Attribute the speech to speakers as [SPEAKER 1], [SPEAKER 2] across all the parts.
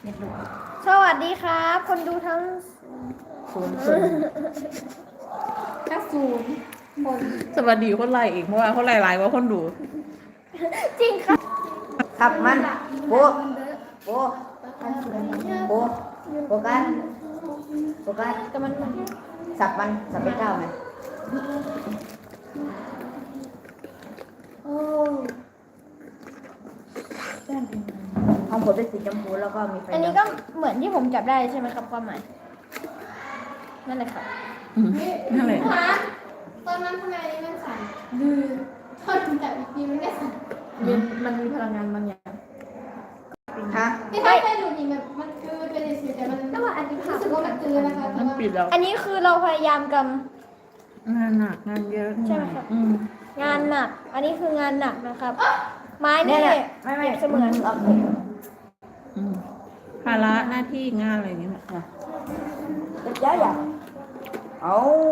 [SPEAKER 1] สวัสดีครับคนดูทั้ง
[SPEAKER 2] ศูนย์
[SPEAKER 1] ทั้งศูนย์คน
[SPEAKER 2] สวัสดีคนไล่อีกเพราะว่าคนไล่หลายกว่าคนดู
[SPEAKER 1] จริงครับ
[SPEAKER 3] ขับมันโบโบโบโบกันโบกัน
[SPEAKER 1] แต่มัน
[SPEAKER 3] สับมันสับเป็นเจ้าไหม
[SPEAKER 1] โอ้
[SPEAKER 3] ห้องผมเป็นสีชมพูแล้วก็มีไฟ
[SPEAKER 1] อันนี้ก็เหมือนที่ผมจับได้ใช่ไหมครับความหมายนั่นแหละครับ
[SPEAKER 2] นั่นแหละ
[SPEAKER 4] ตอนนั้นทำไมอันนี้มันสั่นดื้อตอนจับอีกทีมันไม่สั่น
[SPEAKER 1] มันมีพลังงานบางอย่าง
[SPEAKER 3] ฮะ
[SPEAKER 4] ที่ถ้าเป็นหนูนี่มันคือเป็นเฉยๆแต่มันรู้สึกว่ามันคือนะคะแต่
[SPEAKER 2] มัน
[SPEAKER 4] ว่า
[SPEAKER 2] ปิดแล้ว
[SPEAKER 1] อันนี้คือเราพยายามก
[SPEAKER 2] งานหนักงานเยอะ
[SPEAKER 1] ใช่ไหมครับ
[SPEAKER 2] อืม
[SPEAKER 1] ำงานหนัก อันนี้คืองานหนักนะครับ ไม้
[SPEAKER 3] เนี่
[SPEAKER 1] นี่
[SPEAKER 3] ยแหละไม่
[SPEAKER 1] เสมือน
[SPEAKER 3] เอา
[SPEAKER 2] อืมภาระหน้าที่งานอะไรอย่างเงี้ยค่ะ
[SPEAKER 3] เยอะอย่างเอา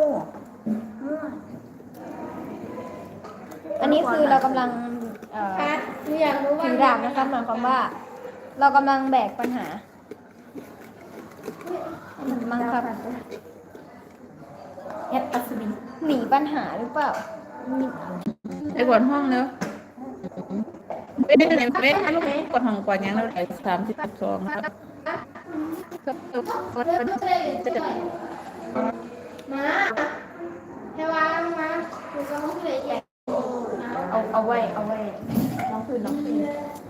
[SPEAKER 1] อันนี้คือเรากำลัง
[SPEAKER 4] ค่ะหนูอยากรู้ว่า
[SPEAKER 1] ถือดาบนะครับหมายความว่า เรากำลังแบกปัญหามั้งครับ
[SPEAKER 3] เอ็ดอัศวิน
[SPEAKER 1] หนีปัญหาหรือเปล่า
[SPEAKER 2] ไปกวาดห้องแล้วไปได้ไหนไปลูกกวาดห้องกวาดยังแล้วไหน32ครับก็
[SPEAKER 4] เลือกเลยมาเทวามาหนูจะห้องเลยใหญ่
[SPEAKER 1] เอาไว้น้องคืน